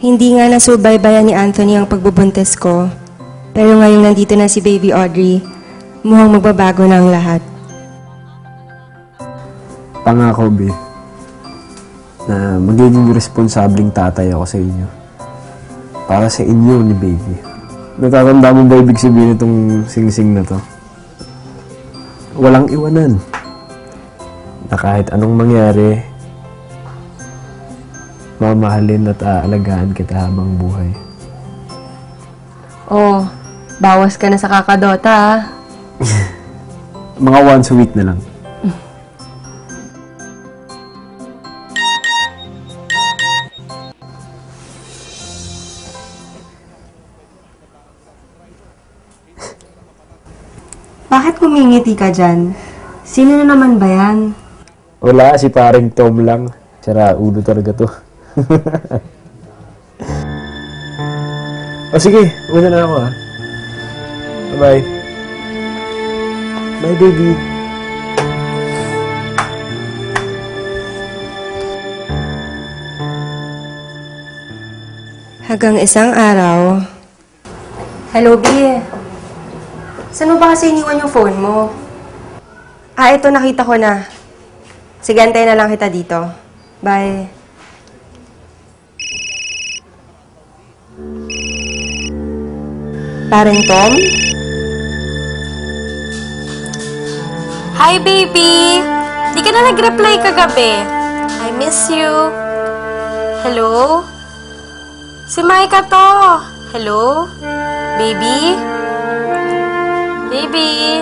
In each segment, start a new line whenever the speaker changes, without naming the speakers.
Hindi nga nasubaybayan ni Anthony ang pagbubuntis ko. Pero ngayong nandito na si Baby Audrey, mukhang magbabago na ang lahat.
Pangako, Be, na magiging responsabling tatay ako sa inyo. Para sa inyo ni Baby. Natatanda mo ba ibig sabihin itong sing-sing na to? Walang iwanan. Na kahit anong mangyari, mamahalin at aalagaan kita habang buhay.
Oh, bawas ka na sa kakadota, ah.
Mga once a week na lang.
Bakit kumingiti ka dyan? Sino na naman ba yan?
Wala, si paring Tom lang. Sira, ulo talaga to. O sige, una na ako, ha. Bye-bye. Bye, baby.
Hanggang isang araw. Hello, B. Saan mo ba kasi iniwan yung phone mo? Ah, ito nakita ko na. Sige, antayin na lang kita dito. Bye. Parang Tom?
Hi, baby! Di ka na nag-reply kagabi. I miss you. Hello? Si Maika to. Hello? Baby? Baby?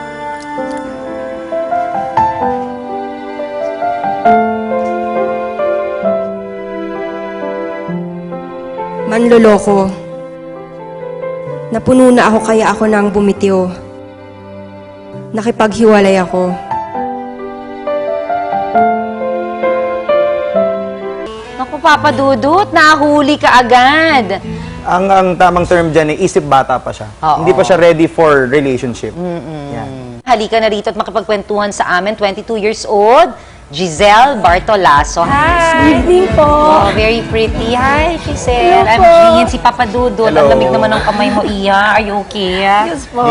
Manloloko. Napuno na ako kaya ako nang bumitiw. Nakipaghiwalay ako.
Naku, Papa Dudut, nahuli ka agad.
Ang tamang term dyan ay isip bata pa siya.
Oo.
Hindi pa siya ready for relationship. Yan.
Halika na rito at makipagkwentuhan sa amin, 22 years old, Giselle Bartolaso. Hi!
Good evening po.
Oh, very pretty. Hi, Giselle.
Hello
I'm
po.
Gian, si Papa Dudut.
Hello.
Ang lamig naman ng kamay mo, Iya. Are you okay?
Yes po.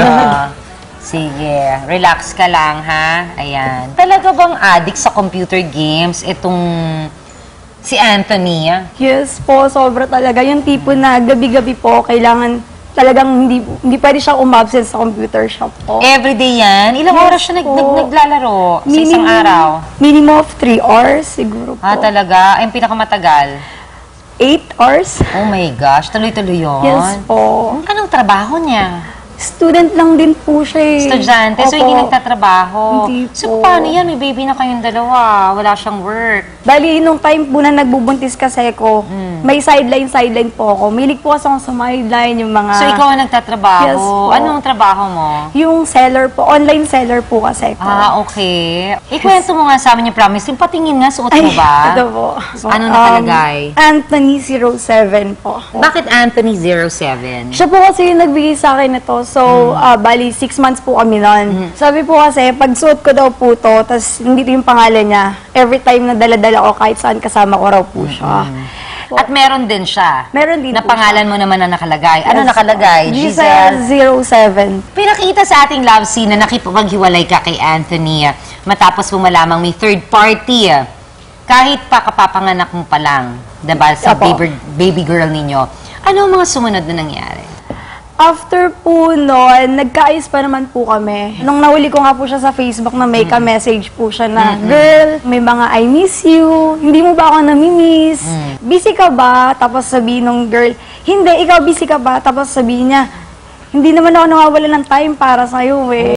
Sige, relax ka lang, ha? Ayan. Talaga bang addict sa computer games itong si Anthony?
Yes po, sobra talaga. Yung tipo na gabi-gabi po, kailangan talagang hindi pwede siya umabsent sa computer shop po.
Everyday yan? Ilang
Yes
oras siya
po.
naglalaro sa isang araw?
Minimum of 3 hours siguro po.
Ah, talaga? Ay, yung pinakamatagal?
8 hours?
Oh my gosh, tuloy-tuloy yun?
Yes po.
Anong trabaho niya?
Student lang din po siya eh.
Estudyante, so
Opo.
hindi nagtatrabaho.
Hindi
So
po.
paano yan? May baby na kayong dalawa. Wala siyang work.
Bali, nung time po na nagbubuntis kasi ko, may sideline po ako. Milig po kasi ako sa sideline, yung mga...
So ikaw ang nagtatrabaho?
Yes po.
Anong trabaho mo?
Yung seller po, online seller po kasi ko.
Ah, okay. Ikwento mo nga sa amin yung promise. Yung patingin nga, suot mo ba?
Ito po.
Anong nakalagay?
Anthony 07 po.
Bakit Anthony 07?
Siya po kasi yung nagbigay sa akin ito. So, bali, 6 months po kami nun. Sabi po kasi, pag suot ko daw po to, tas hindi ito yung pangalan niya, every time na dala-dala ko, kahit saan kasama ko raw po siya.
At meron din siya.
Meron din
na
po
pangalan mo naman na nakalagay. Ano
Yes
nakalagay?
po. Giselle 07.
Pinakita sa ating love scene na nakipaghiwalay ka kay Anthony matapos mo malamang may third party. Kahit pa kapapanganak mo pa lang, diba, sa
Apo.
baby girl ninyo, ano ang mga sumunod na nangyari?
After po nun, nagkaayos pa naman po kami. Nung nahuli ko nga po siya sa Facebook na may ka-message po siya na, girl, may mga I miss you, hindi mo ba ako namimiss? Busy ka ba? Tapos sabihin nung girl, hindi, ikaw busy ka ba? Tapos sabihin niya, hindi naman ako nawawala ng time para sa'yo eh.